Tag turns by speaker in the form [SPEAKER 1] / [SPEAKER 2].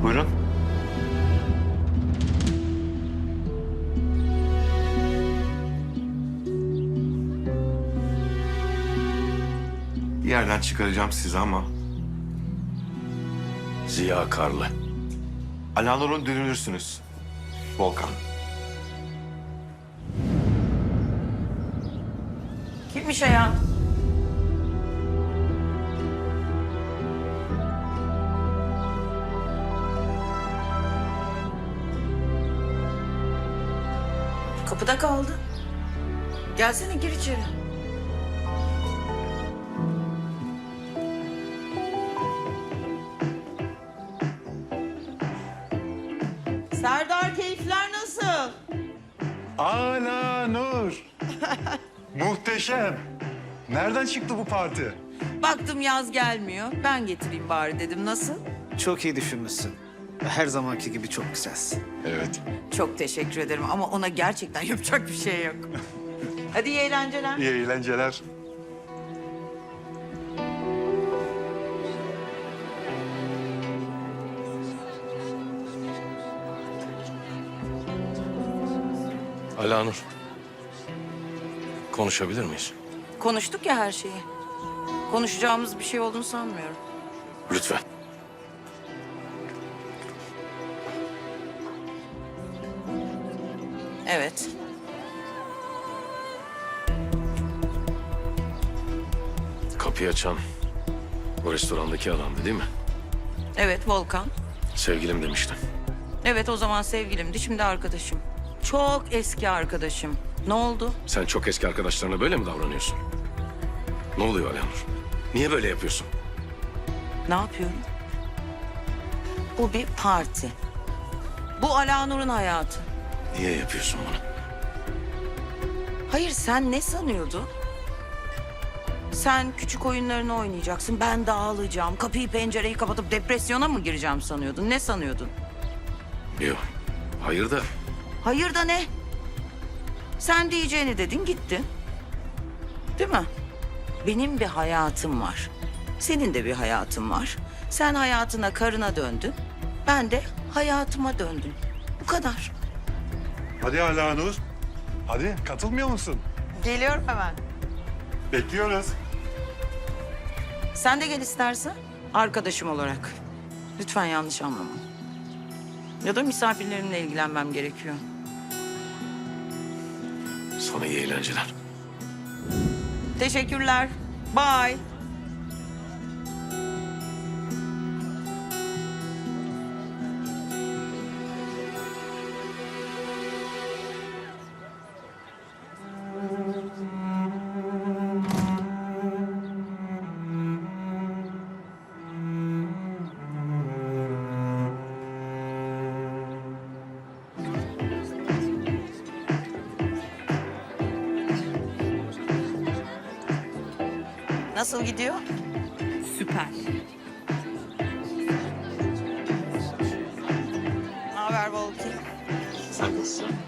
[SPEAKER 1] Buyurun. Bir yerden çıkaracağım sizi ama
[SPEAKER 2] Ziya Karlı.
[SPEAKER 1] Alanur'un dönülürsünüz. Volkan.
[SPEAKER 3] Kimmiş ya? Kapıda kaldı. Gelsene gir içeri. Serdar, keyifler nasıl?
[SPEAKER 4] Alanur. Muhteşem. Nereden çıktı bu parti?
[SPEAKER 3] Baktım yaz gelmiyor. Ben getireyim bari dedim. Nasıl?
[SPEAKER 5] Çok iyi düşünmüşsün. Her zamanki gibi çok güzelsin.
[SPEAKER 4] Evet.
[SPEAKER 3] Çok teşekkür ederim ama ona gerçekten yapacak bir şey yok. Hadi iyi eğlenceler.
[SPEAKER 4] İyi eğlenceler.
[SPEAKER 2] Alanur. Konuşabilir miyiz?
[SPEAKER 3] Konuştuk ya her şeyi. Konuşacağımız bir şey olduğunu sanmıyorum.
[SPEAKER 2] Lütfen.
[SPEAKER 3] Evet.
[SPEAKER 2] Kapıyı açan o restorandaki adamdı değil mi?
[SPEAKER 3] Evet Volkan.
[SPEAKER 2] Sevgilim demiştin.
[SPEAKER 3] Evet o zaman sevgilimdi, şimdi arkadaşım. Çok eski arkadaşım. Ne oldu?
[SPEAKER 2] Sen çok eski arkadaşlarına böyle mi davranıyorsun? Ne oluyor Alanur? Niye böyle yapıyorsun?
[SPEAKER 3] Ne yapıyorum? Bu bir parti. Bu Alanur'un hayatı.
[SPEAKER 2] Niye yapıyorsun bunu?
[SPEAKER 3] Hayır sen ne sanıyordun? Sen küçük oyunlarını oynayacaksın, ben dağılacağım. Kapıyı pencereyi kapatıp depresyona mı gireceğim sanıyordun? Ne sanıyordun?
[SPEAKER 2] Yok. Hayır da
[SPEAKER 3] Hayır da ne? Sen diyeceğini dedin gittin. Değil mi? Benim bir hayatım var. Senin de bir hayatın var. Sen hayatına, karına döndün. Ben de hayatıma döndüm. Bu kadar.
[SPEAKER 4] Hadi Alanur. Hadi katılmıyor musun?
[SPEAKER 3] Geliyorum hemen.
[SPEAKER 4] Bekliyoruz.
[SPEAKER 3] Sen de gel istersen. Arkadaşım olarak. Lütfen yanlış anlama. Ya da misafirlerimle ilgilenmem gerekiyor.
[SPEAKER 2] sana iyi eğlenceler.
[SPEAKER 3] Teşekkürler. Bye. Nasıl gidiyor?
[SPEAKER 6] Süper.
[SPEAKER 3] Ne haber Volki?
[SPEAKER 6] Sen nasılsın?